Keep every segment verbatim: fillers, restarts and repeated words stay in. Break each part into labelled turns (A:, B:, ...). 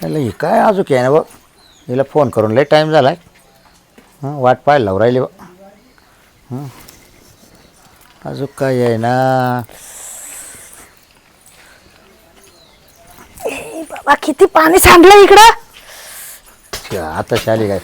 A: त्याला ही काय अजून काय ना बघ हिला फोन करून लय टाईम झाला आहे हां वाट पाहायला लावून राहिली बघ हां अजून काय आहे ना
B: बाबा किती पाणी सांडलं इकडं
A: आता शाली काय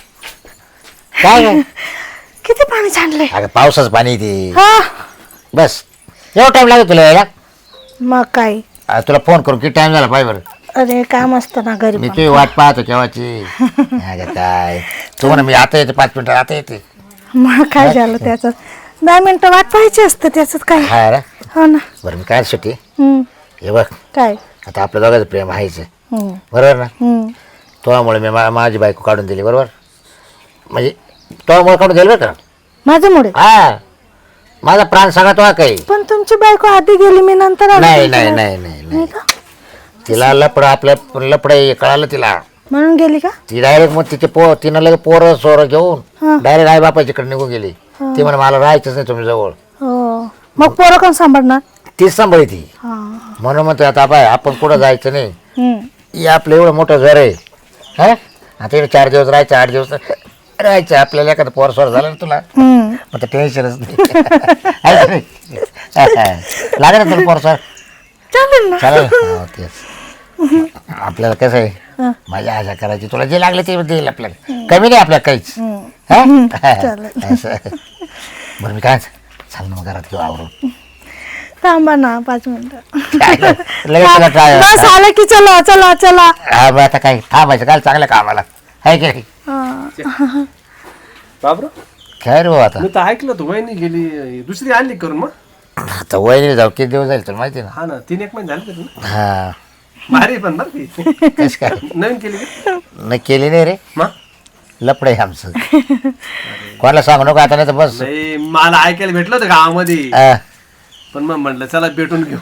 A: काय काय
B: किती पाणी सांडलंय
A: अगं पावसाचं पाणी ते
B: हा
A: बस एवढा टाईम लागेल तुला यायला
B: मग काय
A: आ, तुला फोन करून किती टाईम झाला पाहिजे बरं
B: अरे काम असतं ना घरी
A: मी
B: पण.
A: तुझी वाट पाहतो केव्हाची अगं काय तू म्हणा मी आता येते पाच मिनिटं आता येते
B: मग काय झालं त्याचं दहा मिनिटं वाट पाहायची असतं त्याचं काय
A: हा रे
B: हो ना
A: बरं मी काय सुट्टी
B: हम्म.
A: हे बघ
B: काय
A: आता आपल्या दोघांचं प्रेम आहेच आहे.
B: हम्म.
A: बरोबर ना
B: हम्म.
A: तोमुळे मी मा माझी बायको काढून दिली बरोबर म्हणजे तोमुळे काढून दिली बरं का
B: माझ्यामुळे
A: हा माझा प्राण सगळा तो हा काही
B: पण तुमची बायको आधी गेली मी नंतर आले
A: नाही
B: तुमच्या
A: नाही
B: बायको.
A: नाही नाही
B: नाही
A: नाही
B: का?
A: तिला लपड आपल्या लपड कळालं तिला
B: म्हणून गेली का
A: ती डायरेक्ट मग तिचे पो तिनं लगे पोरं सोरं
B: हा.
A: घेऊन डायरेक्ट आई बापाच्याकडे निघून गेली ती म्हणे मला राहायचंच नाही तुमच्या जवळ
B: हो मग पोरं कोण सांभाळणार
A: तीच सांभाळी ती
B: हा
A: म्हणून म्हणतो आता बाय आपण कुठं जायचं नाही
B: हम्म.
A: हे आपलं एवढं मोठं घर आहे हा आता इकडे चार दिवस राहायचं आठ दिवस राहायचं आपल्याला एखादं पोर सोर झालं ना तुला
B: हम्म.
A: मग तर टेन्शनच नाही आहे की नाही? लागेल ना तुला पोर सोर
B: चालेल ना
A: चालेल हो, तेच आपल्याला कसं आहे
B: हा.
A: माझी आशा करायची तुला जे लागले ते देईल आपल्याला कमी नाही आपल्याला काहीच
B: हम्म.
A: हा?
B: चालेल.
A: असं. बरं मी काय चाल ना मग घरात घेऊ आवरून
B: थांबा ना पाच मिनिटं
A: लगेच तुला try-
B: बस आलं की चला चला चला
A: हा मग आता काय थांबायचं काय चांगलं कामाला आहे की नाही
B: हा.
C: बाबरो
A: काय रे भाऊ आता
C: मी तर ऐकलं तू वहिनी गेली दुसरी आणली करून मग
A: आता वहिनी जाऊ किती दिवस जाईल तुला माहिती ना
C: हा ना तीन एक महिने झाले का
A: हा
C: भारी पण बरं ती
A: कस काय
C: नवीन केली का
A: नाही केली नाही रे
C: मग
A: लपडे आमचं कोणाला सांगू नको आता नाही तर बस
C: नाही मला ऐकायला भेटलं होतं गावामध्ये
A: हा.
C: पण मग म्हटलं चला भेटून घेऊ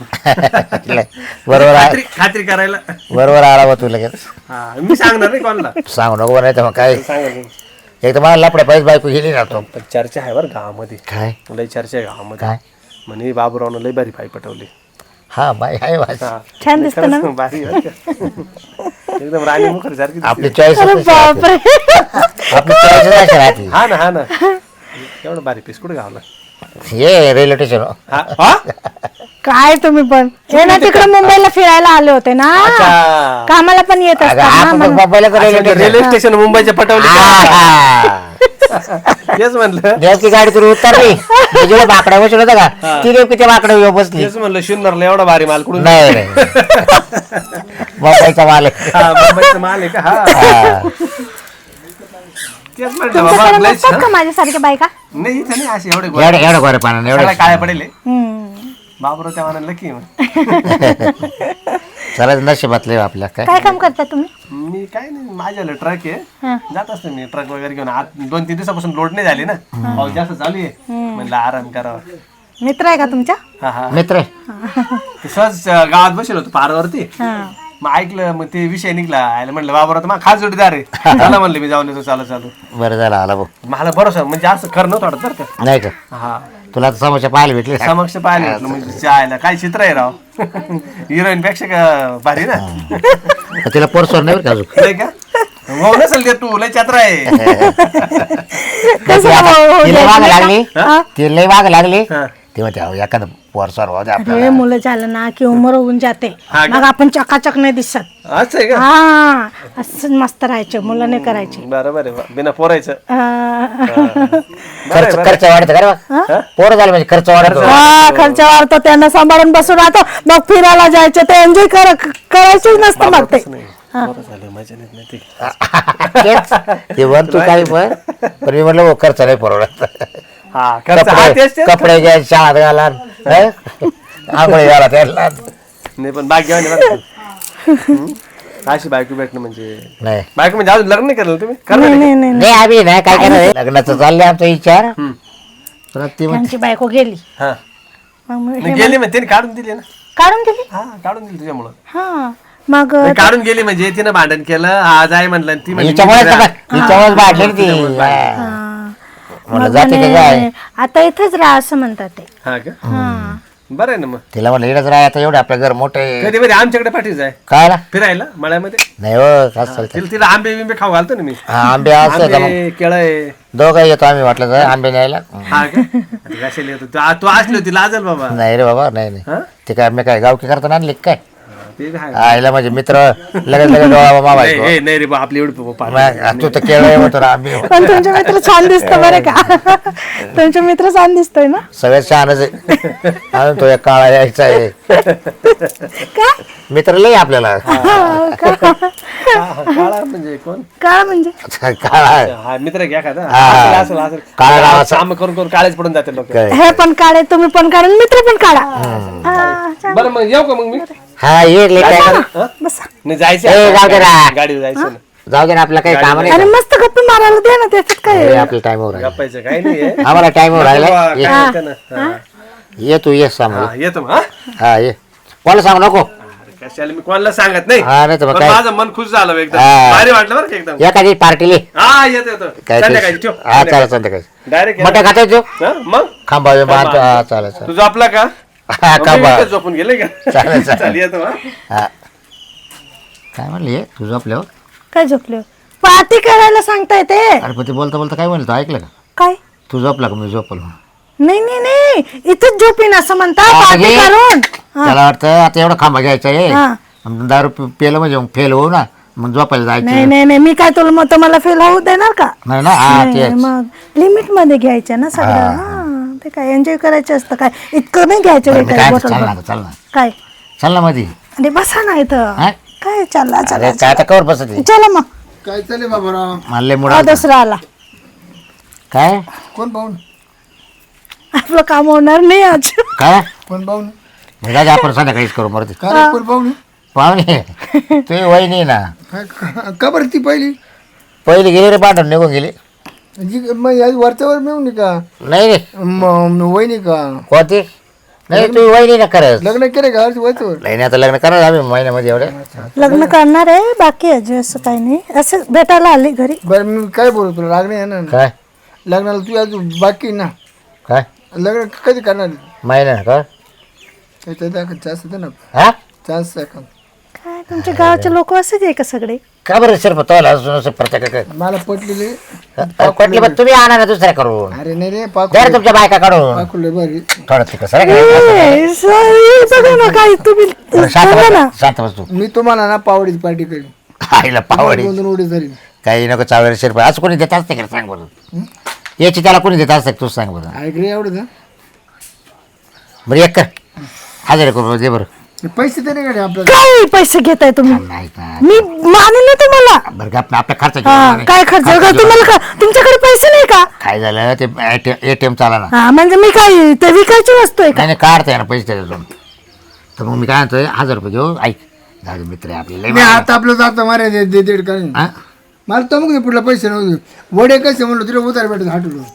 A: बरोबर आहे
C: खात्री खात्री करायला
A: बरोबर आला बा तू लगेच
C: हा मी सांगणार नाही कोणाला
A: सांगू नको नाही तर मग काय
C: सांगा
A: एक तर मला लपडे पाहिजे बायको गेली ना तो
C: पण चर्चा आहे बरं गावामध्ये
A: काय
C: लय चर्चा आहे गावामध्ये
A: काय
C: म्हणे बाबूरावनं लय भारी पाय पटवली
A: हा बाई आहे बाई
C: हा
B: छान दिसतं ना?
C: खरंच भारी बरं का? एकदम राणी मुखर सारखी
A: आपली
C: दिसते.
A: चॉईस
B: अरे बापरे
A: आपली चॉईस राहते
C: हा ना हा ना एवढं भारी पीस कुठे गावला
A: ये रेल्वे स्टेशन
C: हा हा?
B: काय तुम्ही पण हे ना तिकडे मुंबईला फिरायला आले होते ना
C: अच्छा.
B: कामाला पण येत
A: अगं
B: असतात ना
A: आपण
B: म्हणून.
A: मुंबईला तर रेल्वे
C: अच्छा, रेल्वे स्टेशन मुंबईच्या पटवली तेच म्हणलं
A: देवकी गाडी तुला उतरली तुझ्या बाकड्या बसून होता का ती देवकीच्या बाकड्या येऊ बसली
C: तेच म्हणलं शून्यरला एवढा भारी माल कुठून
A: नाही नाही मुंबईचा माल आहे.
C: हा मुंबईचा माल आहे का हा
A: हा.
C: तेच म्हटलं बाबा
B: तुमच्याकडे
C: लयच
B: नसतात का माझ्यासारख्या बायका
C: नाही इथे नाही असे एवढे
A: एवढं एवढं गोरे पाण्याने
C: सगळ्या
A: एवढं
C: काळ्या पडेल
B: हम्म.
C: बाबरो त्या म्हणाला की
A: चला नशिबातले आपल्या काय
B: काय काम करता तुम्ही
C: मी काय नाही माझ्याला ट्रक आहे
B: हा.
C: जात असते मी ट्रक वगैरे घेऊन आज दोन तीन दिवसापासून लोड नाही झाली ना पाऊस जास्त चालू आहे म्हणलं आराम करावा
B: मित्र आहे का तुमच्या
C: हा हा
A: मित्र
C: ते सहज अं, गावात बसेल होतो पारावरती
B: हा.
C: मग ऐकलं मग ते विषय निघला आयला म्हणलं बाबा मग खास जोडीदार आहे चला म्हणलं मी जाऊन येतो चालू चालू
A: बरं झालं आला भाऊ
C: मला भरोसा म्हणजे असं खरं नव्हतं वाटत बरं का
A: नाही का
C: हा
A: तुला तर समस्या पाहायला भेटली ना.
C: समक्ष पाहिलं म्हटलं म्हणजे जायला काय चित्र आहे राव हिरोईन पेक्षा का भारी ना
A: तर तिला पोरसोर नाही बरं का अजून
C: नाही का हो नसेल ते तू लय चित्र आहे
B: कसं
A: ती आता-
B: हो-
A: ती लय मागं लागली
B: हा?
A: ती लय मागं लागली
C: हा.
A: तेव्हा त्या एखादं पोरसोर होते
B: हे
A: आपल्याला
B: मुलं झालं ना की उमर होऊन जाते
C: हा का?
B: मग आपण चकाचक नाही दिसत
C: असं आहे का
B: हा असं मस्त राहायचे मुलं नाही करायचे
C: बरोबर आहे बा. बिना पोरायचं
B: हा.
A: खर्च खर्च वाढत का रे बा? पोरं झालं म्हणजे खर्च वाढत
B: हा खर्च वाढतो त्यांना सांभाळून बसून राहतो मग फिरायला जायचं ते एन्जॉय करायचंच नसतं मग ते
C: नाही बरं झालं मजा नाही नाही ते
A: तेच ते म्हण तू काही पण पण मी म्हणलं हो, खर्च नाही परवडत
C: हा खर्च हा
A: कपडे
C: तेच तेच.
A: कपडे घ्या शाळेत घाला आंघोळी घाला त्याला
C: नाही पण भाग्यवान आहे बरं का. हम्म. अशी बायको भेटणं म्हणजे
A: नाही
C: बायको म्हणजे अजून लग्न नाही केलं तुम्ही करणार
B: नाही
C: आहे
B: नाही नाही
A: नाही आम्ही नाही काय करणार लग्नाचं चाललंय आमचा विचार
C: हम्म.
A: पण ती म्हणते,
B: त्यांची बायको गेली
C: का? हा
B: मग मी-
C: नाही, गेली म्हणजे त्याने काढून दिली ना
B: काढून दिली
C: हा काढून दिली तुझ्यामुळं
B: हा मग
C: नाही, काढून गेली म्हणजे तिनं भांडण केलं आज आहे म्हणलं आणि ती म्हणजे
A: हिच्यामुळेच
C: मी-
A: तर- हिच्यामुळेच वाढली ती हा.
B: हा.
A: म्हणलं
B: मग
A: जाते का काय
B: म्हणे, आता इथंच राहा असं म्हणतात ते
C: हा का
B: हा
C: बरं आहे ना मग.
A: तिला म्हणलं इकडंच राह आता एवढं आपलं घर मोठं आहे.
C: कधी कधी आमच्याकडे पाठीच आहे
A: काय ना
C: फिरायला मळ्यामध्ये.
A: नाही हो काय चालतं
C: तिला तिला आंबे बिंबे खाऊ घालतो ना मी.
A: हा आंबे असं का मग
C: आंबे केळं आहे.
A: दोघं येतो आम्ही वाटलं तर आंबे न्यायला.
C: हा का आता कशाला येतो तू आ- तू असली होती लाजल बाबा.
A: नाही रे बाबा नाही नाही
C: हा
A: ते काय मी काय गावकी करताना आणले काय
C: ते बी आहे.
A: आईला माझे मित्र लगेच लगेच डोळा मामा
C: नाही ए, नाही रे बा आपली एवढी प- पा-
A: मग तू तर केळं होतो ना आंबे
B: पण तुमचे मित्र छान दिसतं बरं का. तुमचे मित्र छान दिसतोय ना.
A: सगळ्यात छानच आहे अजून तो एक काळा यायचा आहे
B: का
A: मित्र लय आपल्याला
B: हा, का?
C: हा, काळा म्हणजे कोण.
B: का म्हणजे
A: काळा
C: हा मित्र घ्या का
A: हा.
C: असं असं
A: काळा गावाचा.
C: काम करून करून काळेच पडून जाते लोक.
A: काय
B: हे पण काढे तुम्ही पण काढा आणि मित्र पण काढा. हा,
C: बरं मग येऊ का मग मी.
A: हा ये ले काय
C: हा?
B: बसा.
C: नाही जायचं
A: ए, जाऊ दे ना.
C: गाडीवर जायचं ना.
A: जाऊ दे ना आपलं काही काम
B: अरे
A: नाही
B: मस्त गप्पा मारायला दे ना त्याच्यात काय
A: ए,
B: आहे?
A: आपलं टाइमवर राहिला
C: गप्पायचं काही नाही
A: आम्हाला टाइमवर राहिला ये.
C: आहे.
A: ये तू ये सांग
C: येतो मग हा?
A: हा ये कोणाला सांगू नको
C: अरे कशाला मी कोणाला सांगत नाही.
A: हा नाही तर मग
C: पण
A: काय
C: माझं मन खुश झालं एकदम
A: हा.
C: भारी वाटलं बरं का एकदम.
A: एखादी पार्टीले
C: हा येतो येतो
A: काय ते-
C: संध्याकाळी ठेव
A: हा चालेल संध्याकाळी
C: डायरेक्ट
A: मोठ्या खात्यात तू
C: मग
A: खांबा बिंबा आणतो हा चालेल चालेल
C: तुझं आपला का
A: हा
C: मग मी
A: खांबा
C: इथेच झोपून गेले का.
A: चालेल, चालेल.
C: चालेल येतो हा.
A: हा काय म्हणले तुझं आपल्यावर
B: काय झोपले पार्टी करायला सांगताय ते.
A: अरे पण ते बोलता बोलता काय म्हणलं तू ऐकलं का
B: काय
A: तू झोपला का मी झोपलो
B: नाही नाही नाही इथेच झोपीन असं म्हणता
A: हा,
B: पार्टी
A: म्हणजे?
B: करून.
A: त्याला वाटतं आता एवढा खांबा घ्यायचा आहे
B: हा.
A: आणि दारू पि- पेलं म्हणजे मग फेल होऊ ना मग झोपायला
B: नाही
A: जायचं
B: नाही नाही मी काय तुला मग तुम्हाला फेल होऊ देणार का.
A: नाही ना हा
B: नाही,
A: तेच
B: मग लिमिट मध्ये घ्यायचं ना सगळं. हा, ते काय एन्जॉय करायचं असतं काय इतकं नाही घ्यायचं
A: बरं, मी
B: वेगळं
A: काय
B: बॉटल
A: चल ना
B: भर.
A: चल ना
B: काय
A: चल ना मध्ये
B: अरे बसा ना इथं
A: हा?
B: काय चालला
A: अरे
B: चला
A: काय आता कवर बसत
B: चला मग
D: काय चालेल बाबाराव
A: मानले मुडा
B: हा, दुसरा आला
A: काय
D: कोण पाहून
B: आपलं काम होणार नाही आज.
A: काय
D: कोण पाहून
A: मी काय आपण संध्याकाळीच करू मरते
D: काय रे, कोण पाहून
A: पाहुणे तुझी वय नाही ना
D: काय का- का बरं ती पहिली
A: पहिले गेले रे पाठवून निघून गेले
D: जी मग या वरच्यावर मिळून का
A: नाही रे
D: म- वहिनी का
A: कोणती नाही तुझी वय नाही ना करत
D: लग्न केले का वरच्या- वरच्यावर
A: नाही नाही आता लग्न करणार आम्ही महिन्यामध्ये एवढे
B: लग्न करणार आहे बाकी अजून असं काही नाही असं भेटायला आली घरी.
D: बरं मी काय बोलू तुला राग नाही आहे ना
A: काय
D: लग्नाला तू अजून बाकी आहे ना
A: काय
D: लग्न कधी करणार
A: महिना का
D: त्याच्यात चान्स दे ना
A: हा
D: चान्स आहे का
B: काय तुमच्या गावाचे लोक असेच आहे का सगळे.
A: का बरं सर तोला अजून असं प्रत्येक काय
D: मला पटलेले
A: कोटली पण तुम्ही आणा ना दुसऱ्या करून
D: अरे नाही रे
A: द्या
D: पाकू
A: रे तुमच्या बायका काढून
D: पाकुले बरी
A: थोडं तिकडं सर
B: ए, sorry, बघा ना काय तुम्ही
A: शांत
B: बघा ना
A: बस शांत बस तू
D: मी तुम्हाला ना पावडीची पार्टी करी
A: आईला पावडी
D: दोन दोन उडी झाली
A: काही नको चावेल शेर आज कोणी देत असते का सांग बरं याची त्याला कोणी देत असते तू सांग बरं
D: ऐक रे एवढं का?
A: बरं एक कर हजार एक रुपये दे बरं
D: ते पैसे दे नाही का आपल्याला
B: काय पैसे घेताय तुम्ही.
A: नाही ना
B: मी माने ना तुम्हाला.
A: बरं का आपल्या आपल्या खर्चाची
B: हा
A: गरज नाही.
B: काय खर्च का तुम्हाला का तुमच्याकडे पैसे नाही का.
A: काय झालं ते एटीएम चाला ना
B: हा म्हणजे मी काय ते विकायची वस्तू आहे का.
A: नाही नाही काढता ना पैसे त्याच्यातून तर मग मी काय म्हणतोय हजार रुपये देऊ ऐक झाले मित्र आहे आपले लय
D: मी आता आपलं जातो मारे दे दे दीड करेन
A: हा?
D: मला तर मग पुढला पैसे नव्हते वडे कसे म्हणलं तुला उतार भेटत हाटलो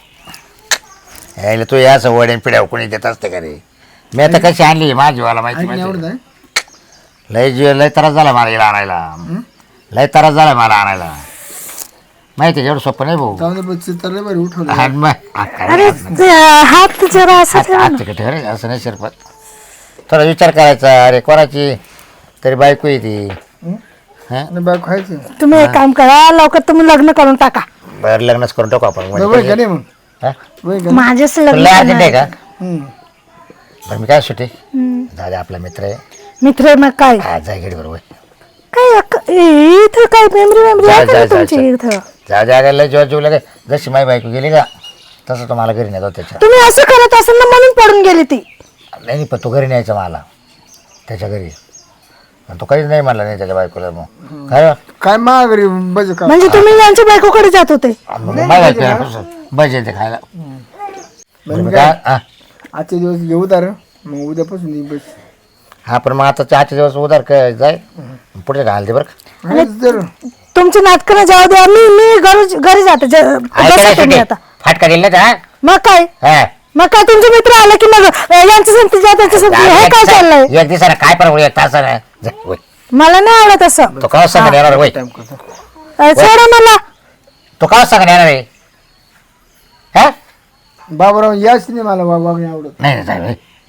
A: यायला तू याचं वड्यान पिढ्या कोणी देत असते का रे मी आता कशी आणली माझी वाला माहिती
D: ऐक एवढं
A: माहिती
D: आहे
A: लय जीव लय त्रास झाला मला हिला आणायला लय त्रास झाला मला आणायला माहिती आहे, एवढं सोपं नाही भाऊ
D: जाऊन दे चित्तरले बरं उठवलं
A: आणि मग आ, काय
B: अरे ते हात जरा असं
A: हात-
B: ठेवा
A: हात
B: ना.
A: तिकडे ठेव रे असं नाही शिरपत थोडा विचार करायचा अरे कोणाची तरी बायको येते हा
D: आणि बाय खायचं
B: तुम्ही एक काम करा लवकर तुम्ही लग्न करून टाका.
A: बरं लग्नच करून टाकू आपण
D: वय
A: म्हणजे
D: का नाही मग
A: हा?
D: वय का
B: माझेच लग्न
A: तुला अर्जंट आहे
B: करणार.
A: का
D: हम्म.
A: बरं मी काय सुटे
B: हम्म.
A: दादा आपला मित्र आहे
B: मित्र मग काय
A: हा जाय गेडी बरोबर
B: काय अक्क- ए, इथं काय मेमरी मेमरी
A: जा,
B: आहे का
A: जा,
B: रे
A: जा,
B: तुमची
A: जा.
B: इथं.
A: जा जागायला जेव्हा जीव लागे जशी माई बायको गेली का तसं तो मला घरी नाही जाऊ त्याच्या
B: तुम्ही असं करत असेल ना म्हणून पडून गेली ती.
A: नाही नाही, पण तो घरी न्यायचा मला त्याच्या घरी आणि तो काहीच नाही म्हणला नाही त्याच्या बायकोला मग काय
D: काय महागरी बज का
B: म्हणजे तुम्ही यांच्या बायकोकडे जात होते.
A: मग माई बायको बस येते खायला बरं मी काय हा
D: आजचे दिवस घेऊ तर मग उद्यापासून येईन बस
A: हा पण मग आता आजच्या दिवस उधार काय जाय पुढे घाल दे बरं का
D: आणि जर
B: तुमची नाटकं जाऊ द्या मी मी घरी घरी जाते ज-
A: ऐका
B: बसा
A: नाही
B: तुम्ही
A: सुटे.
B: आता.
A: फाटका दिला ना हा?
B: मग काय
A: हा
B: मग काय तुमचे मित्र आले की मग अ, यांचं संगती जा त्याचं संगती हे काय चाललंय.
A: एक दिवसाला काय पण एक तासानं जा, वय.
B: मला नाही आवडत असं.
A: तो का सांगा येणार वय
B: अ, सोडा मला.
A: तो का सांगा येणार आहे हा
D: बाबराव याच नाही मला बाबा आवडत
A: नाही नाही जाय, वय.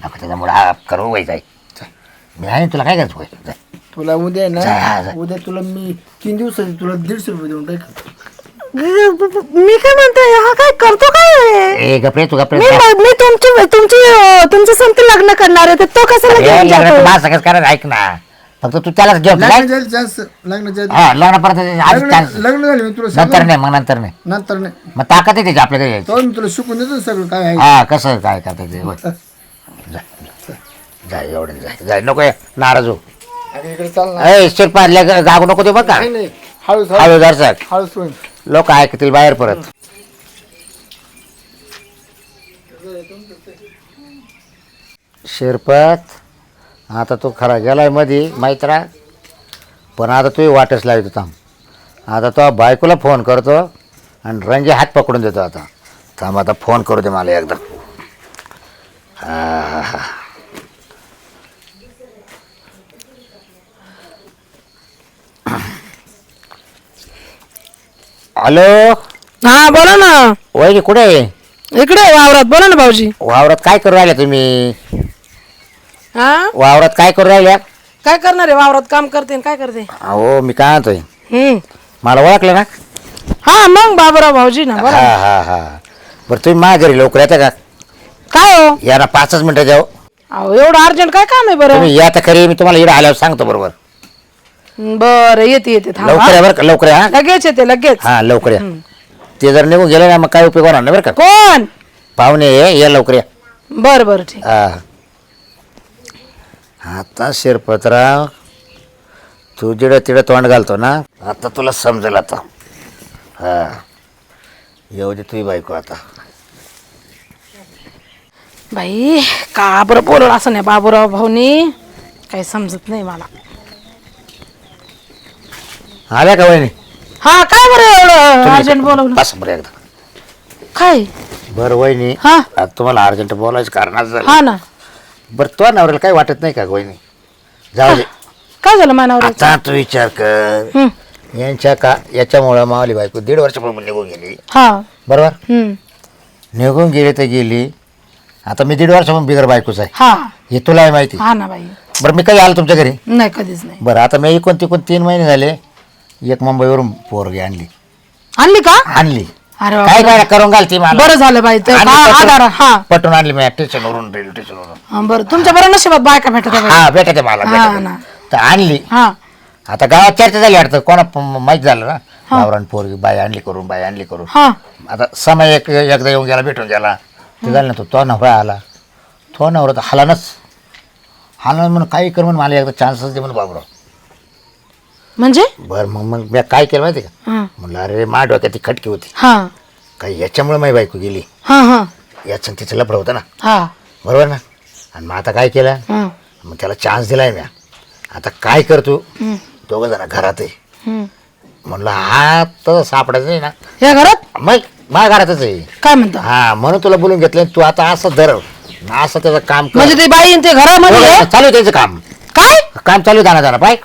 A: नको त्याच्यामुळे हा करू वय जाय मी आहे ना, तुला काय करायचं होय जाय.
D: तुला उद्या आहे
A: जा, जा.
D: ना उद्या तुला मी तीन दिवसाची तुला दीडशे रुपये देऊन टाक.
B: मी काय म्हणते हा काय करतो काय
A: ए गपरे तू गपरे
B: मी मी तुमची तुमची अं, तुमच्या संगती लग्न करणार आहे तर तो कशाला घेऊन जातो?
A: माझं सगळंच करायचं ऐक ना फक्त तू त्यालाच घेऊन जाय.
D: लग्नाच्या चान्स लग्नाच्या आधी.
A: हा लग्नापर्यंत आधी
D: लग्न
A: चान्स
D: लग्न झाले मी तुला
A: नंतर
D: सांगतो.
A: नाही मग नंतर नाही
D: नंतर नाही
A: मग ताकद आहे त्याची आपल्याकडे यायची.
D: तो मी तुला शिकून देतो सगळं काय आहे.
A: हा कसं काय करता ते होय. जाय जाय एवढं जाय जाय नको ये, नाराज हो
D: अरे इकडे चाल ना.
A: ए शिरपा गागू नको ते बघ का
D: नाही नाही हळूच
A: हळू दर्शक
D: हळूच होईल.
A: लोक ऐकतील बाहेर परत. शिरपत आता तू खरा गेलाय मध्ये माहीत राहा पण आता तूही वाटच लावतो थांब. आता तो बायकोला फोन करतो आणि रंगे हात पकडून देतो. आता थांब आता फोन करू दे मला एकदा. हा हा हॅलो
B: हा बोला ना
A: वहिनी कुठे आहे?
B: इकडे वावरात बोला ना भाऊजी.
A: वावरात काय करू राहिल्या तुम्ही?
B: हा
A: वावरात काय करू राहिल्या?
B: काय करणार आहे वावरात काम करते आणि काय करते?
A: अहो मी काय म्हणतोय
B: हम्म
A: मला ओळखलं ना?
B: हा मग बाबूराव भाऊजी ना
A: हा
B: बोला.
A: हा हा बरं तुम्ही माझ्या घरी लवकर येता का?
B: काय हो
A: या ना पाचच मिनिटं जाऊ.
B: अहो एवढं अर्जंट काय काम आहे बरं?
A: तुम्ही या तर खरी मी तुम्हाला इकडे आल्यावर सांगतो बरोबर.
B: बरं येते येते थांब,
A: लवकर
B: हा.
A: या बरं का लवकर या हा.
B: लगेच येते लगेच.
A: हा लवकर या. ते जर निघून गेले ना मग काय उपयोग होणार नाही बरं का.
B: कोण?
A: पाहुणे ये या लवकर या.
B: बर बर ठीक.
A: हा आता शिरपतराव तू जिडं तिडं तोंड घालतो ना आता तुला समजेल आता. हा येऊ दे तुझी बायको आता.
B: बाई का बरं बोलवलं असं नाही बाबूराव भाऊनी काही समजत नाही मला.
A: आल्या का वहिनी?
B: हा काय बरं एवढं अर्जंट बोलवलं?
A: बस बरं एकदा.
B: काय?
A: बरं वहिनी
B: हा
A: आता तुम्हाला अर्जंट बोलायचं कारण असं झालं.
B: हा ना
A: बरं तो नवऱ्याला काही वाटत नाही का वहिनी? जाऊ दे
B: काय झालं मानावर?
A: आता तू विचार कर यांच्या का याच्यामुळं मावली बायको दीड वर्षापूर्वी निघून गेली
B: हा
A: बरोबर.
B: हम्म
A: निघून गेली तर गेली. आता मी दीड वर्षापासून बिगर बायकोच आहे
B: हा
A: हे तुलाही माहिती.
B: हा ना बाई.
A: बरं मी कधी आलो तुमच्या घरी?
B: नाही कधीच नाही.
A: बरं आता मी इकून तिकून तीन महिने झाले एक मुंबईवरून पोरगी आणली
B: आणली का?
A: आणली
B: अरे
A: काय
B: बापरे.
A: काय करून घालती मला.
B: बरं झालं बाई तर
A: आणली
B: हा,
A: पटून-
B: आधार हा
A: पटून आणली मी स्टेशनवरून रेल्वे स्टेशनवरून.
B: हा, बरं तुमच्या बरं नशिबात बायका भेटत आहे बाई.
A: हा भेटते मला
B: हा
A: भेटते.
B: ना.
A: तर आणली.
B: हा
A: आता गावात चर्चा झाली वाटतं कोणा प- माहित झालं ना गावरान पोरगी बाई आणली करून बाई आणली करून.
B: हा
A: आता समय एक एकदा येऊन गेला भेटून गेला ते झालं ना तो तो नवरा आला तो नवरा तर हालानच हालान म्हणून काही कर म्हणून मला एकदा चान्सच दे म्हणून बाबराव.
B: म्हणजे?
A: बरं मग मग मी काय केलं माहिती का
B: हा
A: म्हणलं अरे मा डोक्यात ती खटकी होती
B: हा
A: काही याच्यामुळे माझी बायको गेली
B: हा हा
A: याचं तिचं लफडं होतं ना
B: हा
A: बरोबर ना. आणि मग आता काय केलं
B: हा
A: मग त्याला चान्स दिलाय मी. आता काय करतो
B: हम्म,
A: दोघं जण घरात आहे
B: हम्म.
A: म्हणलं हा तर सापडायचं नाही ना
B: या घरात
A: मग माझ्या घरातच आहे.
B: काय म्हणता?
A: हा म्हणून तुला बोलून घेतलं तू आता असं धर ना असं त्याचं काम कर.
B: म्हणजे ते बाई आणि ते घरामध्ये आहे?
A: हो, चालू आहे त्याचं काम
B: काय?
A: काम चालू जाणार जाणार पाय.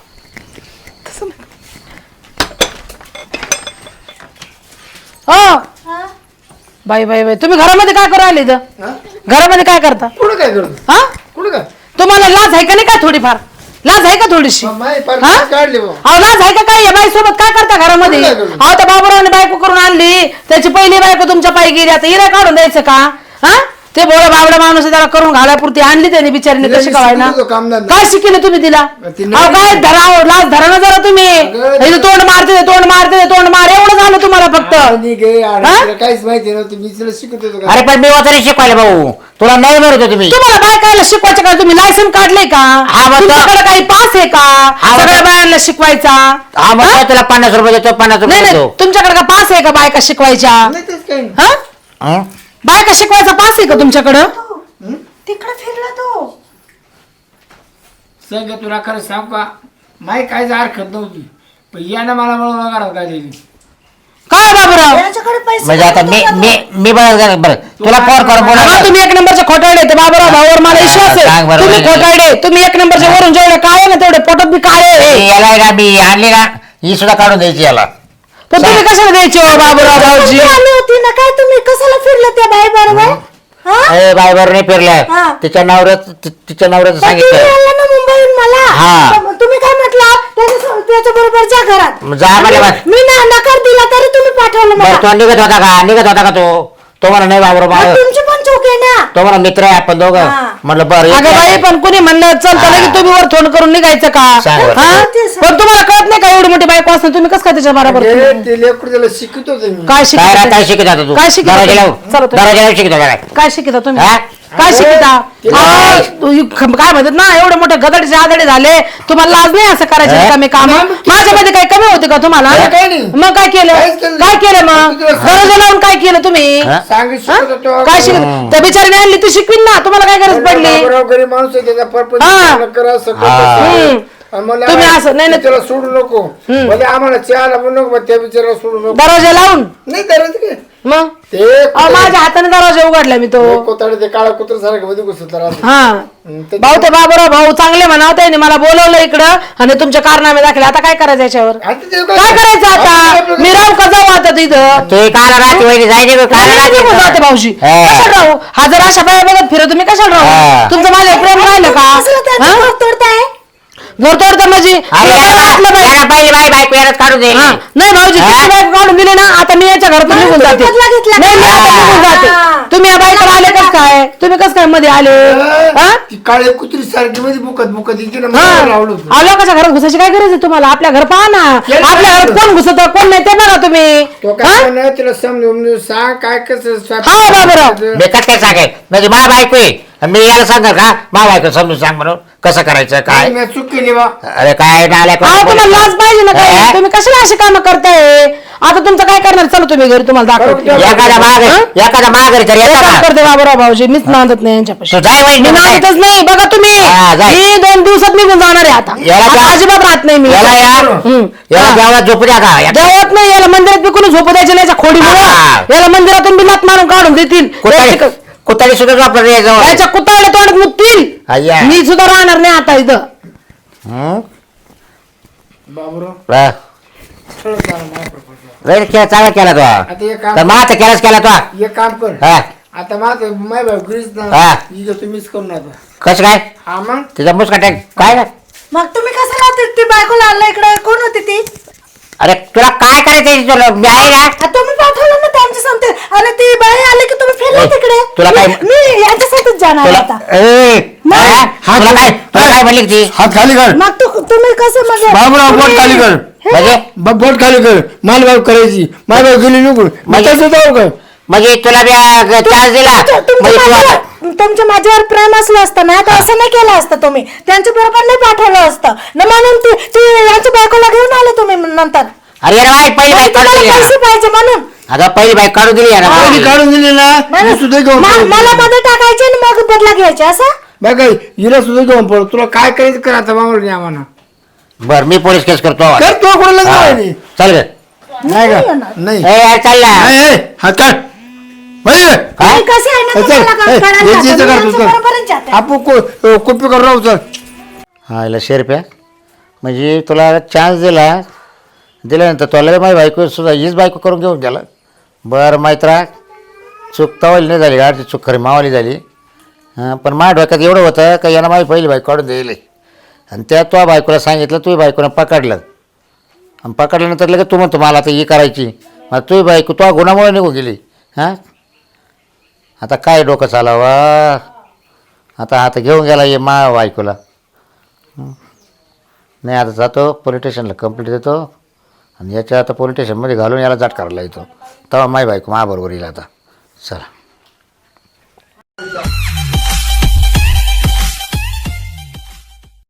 B: हो बाई बाई बाई तुम्ही घरामध्ये काय करू आले इथं? घरामध्ये काय करता?
D: कुठं काय करतो
B: हा
D: कुठं काय
B: तुम्हाला लाज आहे का नाही काय थोडीफार? लाज आहे का थोडीशी?
D: माय पार
B: हा?
D: काढले बा.
B: अहो लाज आहे का काय या बाई सोबत काय करता घरामध्ये?
D: काय करतो?
B: अहो त्या बाबूरावने बायको करून आणली त्याची पहिली बायको तुमच्या पायी गेली आता हिरा काढून द्यायचं का? हा ते बोला बाबडा माणूस आहे, त्याला करून घालापुरती आणली त्याने बिचारीने
D: तिला
B: कशी
D: मी
B: काय ना
D: शिकवतो कामधंदा.
B: काय शिकले तुम्ही तिला?
D: ती
B: अहो
D: नवीन
B: काय धराव लाज धरा ना जरा तुम्ही.
D: अगं,
B: इथं तोंड मारते तोंड मारते तोंड मार एवढं झालं तुम्हाला फक्त.
D: आणि गे आणि
B: हा?
D: तिला काहीच माहिती नव्हतं मी तिला शिकत होतो का.
A: अरे पण मी तरी शिकवायला भाऊ तुला नाही म्हणत होतो तुम्ही.
B: तुम्हाला बायकायला शिकवायचं का? तुम्ही लायसन काढले का?
A: हा, मग तो-
B: तुमच्याकडे काही पास आहे का
A: मग
B: सगळ्या
A: तो-
B: बायांना शिकवायचा?
A: हा मग काय तुला पन्नास रुपये देतो पन्नास
B: नाही
A: रुपये
B: नाही
A: देतो.
B: तुमच्याकडे का पास आहे का बायका शिकवायच्या?
D: नाही तेच काही नाही.
B: हा
A: हं?
B: बायका शिकवायचा पास आहे का तुमच्याकडं?
E: तिकडे फिरला तो.
D: सांग तुला खरं सांग का माय काय हरकत नव्हती पण यानं मला म्हणून घरात काय दिली.
B: काय बाबूराव?
E: त्याच्याकडे पैसे
A: म्हणजे आता मी मी मी बरं बरं तुला फोन करून
B: हा,
A: बोला.
B: तुम्ही एक नंबरचे खोटारडे ते बाबूराव भाऊवर मला विश्वास
A: सांग
B: आहे.
A: बरं,
B: तुम्ही
A: बरं.
B: खोटारडे तुम्ही एक नंबरचे वरून जेवढे काळे ना तेवढे पोटात बी काळे आहे.
A: याला आहे ना मी आणली ना ही सुद्धा काढून द्यायची याला.
B: पण तुम्ही कशाला द्यायचे हो बाबूराव भाऊजी?
E: आली होती ना काय तुम्ही कशाला फिरलं त्या बाई बरोबर?
A: ए बायबर नाही
E: हा.
A: फिरलं तिच्या नवऱ्यात ति- तिच्या नवऱ्याचं
E: पण तुम्ही
A: सांगितलं
E: आला ना मुंबईहून मला
A: हा.
E: तर मग तुम्ही काय म्हटलं त्याच्या त्याच्या बरोबरच्या घरात
A: मग जा मला
E: आणि
A: बस.
E: मी ना नकार दिला तरी तुम्ही पाठवलं मला
A: बरं तो निघत होता का निघत होता का तो तो म्हणा नाही बाबर
E: मग तुमची पण चूक आहे ना
A: तो म्हणा मित्र आहे आपण दोघं
E: हा.
A: म्हटलं बरं
B: अगं
A: एक-
B: बाई पण कुणी म्हणलं चलतं
A: हा.
B: की तुम्ही वर थोड करून निघायचं का
A: सांग बरं.
B: हा? पण तुम्हाला कळत नाही का एवढी मोठी बायको असताना तुम्ही कसं काय त्याच्या बरोबर
D: ते ते लेकरू त्याला शिकत होते मी
B: काय
A: काय रा-
B: शिकता
A: काय शिकत होता तू
B: काय शिकत होता?
A: दरवाजा लाव
B: चला तुम्ही.
A: दरवाजा लाव शिकत होता काय?
B: काय शिकता तुम्ही
A: हा?
B: काय शिकता
D: तिला-
B: आ, तू इ- ख- काय म्हणतात ना एवढे मोठे गदडचे आदडे झाले तुम्हाला लाज नाही असं करायचं
A: हा?
B: कमी काम
D: मग?
B: माझ्यामध्ये काही कमी होते का तुम्हाला
D: नाही, काही नाही.
B: मग काय केलं
D: काहीच केलं
B: काय
D: नाही.
B: केलं मग
D: मी तुला
B: दरवाजा लावून काय केलं तुम्ही
A: हा?
D: सांगित शिकत होतो
B: काय शिकत त्या बिचारीने आणली ती शिकवीन ना तुम्हाला काय गरज पडली
D: बाबूराव गरीब माणूस आहे त्याचा पर्पज
B: हा.
D: करा सगळं
A: हा.
D: तसं.
B: हम्म.
D: आणि मला
B: तुम्ही असं- नाही, नाही.
D: त्याला सोडू नको भले आम्हाला चहाला म्हणू नको पण त्या बिचाराला सोडू नको
B: दरवाजा लावून
D: नाही करायचं काय
B: मग
D: ते
B: अहो, माझ्या हाताने दरवाजा उघडला मी तो
D: कोताडे ते काळा कुत्र सारखं मध्ये घुसत राहतं.
B: हा
D: हम्म, ते-
B: भाऊ ते बाबूराव भाऊ चांगले म्हणाव त्याने मला बोलवलं इकडं आणि तुमचे कारनामे दाखले आता काय करायचं याच्यावर
D: आता ते
B: काय करायचं आता मी राहू का जाऊ आता तिथं
A: तू काल रात्री वहिनी जायची का? काल
B: नाही, निघून जाते
A: रात्री
B: भाऊजी
A: हा.
B: कशाला राहू हजार अशा बाया बघत फिरत तुम्ही कशाला
A: हा.
B: राहू तुमचं माझ्या प्रेम राहिलं
E: कसलं
B: का
E: त्याचं घर तोडताय
B: घर तोडता म्हणजे
A: अरे
B: आपलं बाई-
A: याला पहिली बाई बायको यालाच काढून दे
B: हा. नाही भाऊजी
A: हा?
B: तुम्ही बायको काढून दिली ना आता मी याच्या घरातून
E: म्हणून
B: निघून
E: तुम्ही
B: जाते
E: बदला घेतला
B: नाही मी
E: का?
B: आता निघून जाते
E: हा.
B: तुम्ही या बाईकडे आले कस काय तुम्ही कस काय मध्ये आले हा?
D: ती काळी कुत्री सारखी मध्ये बुकत बुकत येते ना
B: हा.
D: मला लावलं होतं.
B: अहो, लोकांच्या घरात घुसायची काय गरज आहे तुम्हाला आपल्या घर पहा ना
D: केलं
B: आपल्या घरात
D: काय?
B: कोण घुसत कोण नाही ते बघा तुम्ही
D: तो
B: हा?
D: काय म्हणा तिला समजून सांग काय कसं
B: हा, बाबूराव.
A: मी कसं काय सांगेल म्हणजे मा बायको आहे आणि मी याला सांगणार का मा बायको समजून सांग म्हणून कसं करायचं काय
D: मी चूक केली बा
A: अरे काय नाल्या
B: अहो तुम्हाला लाज पाहिजे ना काय
A: हा?
B: तुम्ही कशाला अशी कामं करताय आता तुमचं काय करणार चला तुम्ही घरी तुम्हाला दाखवते
D: बरोबर.
A: एखादा माघारी एखादा माघारी तर
B: एक
A: येता
B: काम
A: का
B: करते बाबूराव भाऊजी मीच नांदत नाही यांच्यापाशी
A: तू जाय वहिनी
B: मी नांदतच नाही बघा तुम्ही
A: हा, जाय.
B: मी दोन दिवसात निघून जाणार आहे आता
A: याला
B: आता
A: जा.
B: अजिबात राहत नाही मी
A: याला या
B: हम्म.
A: याला
B: हा.
A: देवाला झोपू द्या का या-
B: देवत नाही याला मंदिरात विकून झोपू द्यायचे नाही खोडी
A: हा.
B: याला मंदिरातून बिलात मारून काढून देतील
A: कुतारी कुतारी सुद्धा वापरली याजवळ.
B: त्याच्या कुत्र्याला तोंडात मुततील
A: अय्या.
B: मी सुद्धा राहणार नाही आता इथं
A: हं?
D: बाबूराव
A: बा.
D: खेळत जा ना माझ्याकडे.
A: लय खेळ चांगला केला तो
D: आता एक
A: तर
D: काम
A: मा तर केलाच केला तो
D: एक काम कर
A: हा
D: आता माझं माय भाऊ घरीच
A: हा.
D: ना इथं तुम्हीच करू नका
A: कसं काय
D: हा मग
A: तिचा मुसका टाक काय रे?
E: मग तुम्ही कसं लावते ती बायकोला आणलं इकडे कोण होती ती
A: अरे तुला काय करायचं आहे तुला? मी आहे ना
E: आ, तुम्ही पाठवलं ना त्यांच्या सांगते आणि ती बाई आली की तुम्ही फिरले
A: ए,
E: तिकडे
A: तुला काय-
E: मी- मी यांच्यासाठीच जाणार
A: तुला
E: आता
A: ए,
E: मग?
A: हा? तुला काय तुला काय म्हणली ती
D: हात खाली कर
E: मग तू तुम्ही कसं म्हणजे
D: बाबूराव बोट
E: तुम्ही-
D: खाली कर
E: हे
A: म्हणजे
D: ब- बोट खाली कर माल भाव करायची माल भाव गेली नको
A: म्हणजे-
D: तसं जाऊ का
A: म्हणजे तुला बी चान्स दिला
E: तुमचं- तुमचं
A: म्हणजे तू आता-
E: माझ्यावर- तुमच्या माझ्यावर प्रेम असलं असतं ना तर असं नाही केलं असतं तुम्ही त्यांच्या बरोबर नाही पाठवलं असतं ना म्हणून ती ती यांच्या बायकोला घेऊन आले तुम्ही नंतर
A: अरे यार बाई पहिली बाईक काढून दिली
E: तुम्हाला पैसे
A: यार.
E: पाहिजे म्हणून
A: आता पहिली बाईक काढून दिली यार
D: पहिली काढून दिली ना मी सुद्धा घेऊन
E: म-
D: पळतो.
E: मला मध्ये टाकायचे आणि मग बदला घ्यायचे असं
D: बघ हिला सुद्धा घेऊन पड तुला काय करायचं कर आता मामा आम्हाला
A: बर मी पोलीस केस करतो
D: कर तो कोणाला
A: हा.
D: जाऊ
A: चल ग
D: नाही का
E: येणार.
D: नाही
A: ए यार चाल ना
D: नाही, ए, हात काढ बाई, ए.
E: मी कसे आहे ना
D: चल,
E: तुम्हाला
D: ए,
E: कळायला
D: याची
E: जातं.
D: इथं
E: मी
D: काढ तू,
E: यांच्या
D: चल.
E: बरोबरच जाते.
D: आपण को- कुप्पी करून राहू चल
A: हा याला शेरप्या म्हणजे तुला चान्स दिला दिल्यानंतर तुला माझी बायको सुद्धा हीच बायको करून घेऊन गेला बरं माहित्रा चूक तवाली नाही झाली गाडची चूक खरी मावाली झाली हां पण माझ्या डोक्यात एवढं होतं का यानं माझी पहिली बाईक काढून दिली आणि त्या तुझ्या बायकोला सांगितलं तुझी बायकोनं पकडलं आणि पकडल्यानंतर लगेच तू म्हणतो मला आता ही करायची मग तुझी बायको तुझ्या गुणामुळे निघून गेली हां आता काय डोकं चालावं आता आता घेऊन गेला ये मा बायकोला नाही आता जातो पोलीस स्टेशनला कंप्लेंट देतो आणि याच्या आता पोलीस स्टेशनमध्ये घालून याला जाट करायला येतो तेव्हा माय बायको माझ्याबरोबर येईल आता चला